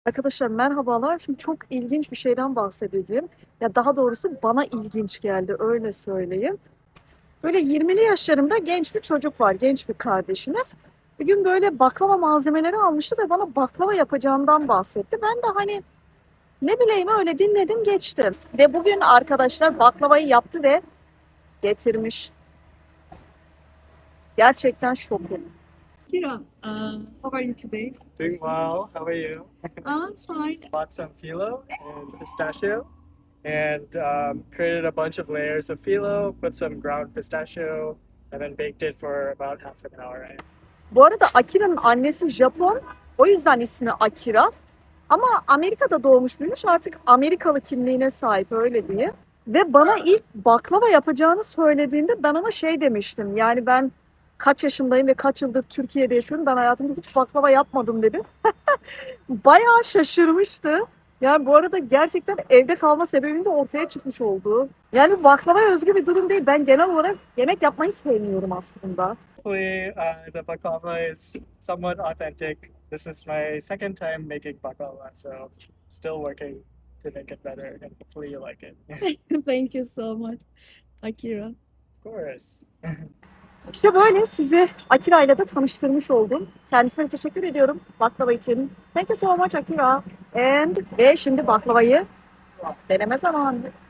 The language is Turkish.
Arkadaşlar merhabalar. Şimdi çok ilginç bir şeyden bahsedeceğim. Ya daha doğrusu bana ilginç geldi öyle söyleyeyim. Böyle 20'li yaşlarında genç bir çocuk var, genç bir kardeşimiz. Bir gün böyle baklava malzemeleri almıştı ve bana baklava yapacağından bahsetti. Ben de hani ne bileyim öyle dinledim geçtim. Ve bugün arkadaşlar baklavayı yaptı ve getirmiş. Gerçekten şokum. Kira, how are you today? Doing well. How are you? I'm fine. Bought some phyllo and pistachio and created a bunch of layers of phyllo, put some ground pistachio, and then baked it for about half an hour. Right? Bu arada Akira'nın annesi Japon. O yüzden ismi Akira. Ama Amerika'da doğmuş büyümüş, artık Amerikalı kimliğine sahip öyle diye. Ve bana ilk baklava yapacağını söylediğinde ben ona şey demiştim. Yani ben kaç yaşındayım ve kaç yıldır Türkiye'de yaşıyorum. Ben hayatımda hiç baklava yapmadım dedim. Bayağı şaşırmıştı. Yani bu arada gerçekten evde kalma sebebim de ortaya çıkmış oldu. Yani baklavaya özgü bir durum değil. Ben genel olarak yemek yapmayı sevmiyorum aslında. Hopefully, the baklava is somewhat authentic. This is my second time making baklava, so still working to make it better, and hopefully you like it. Thank you so much, Akira. Of course. İşte böyle sizi Akira ile de tanıştırmış oldum. Kendisine teşekkür ediyorum baklava için. Thank you so much Akira. Ve şimdi baklavayı deneme zamanı.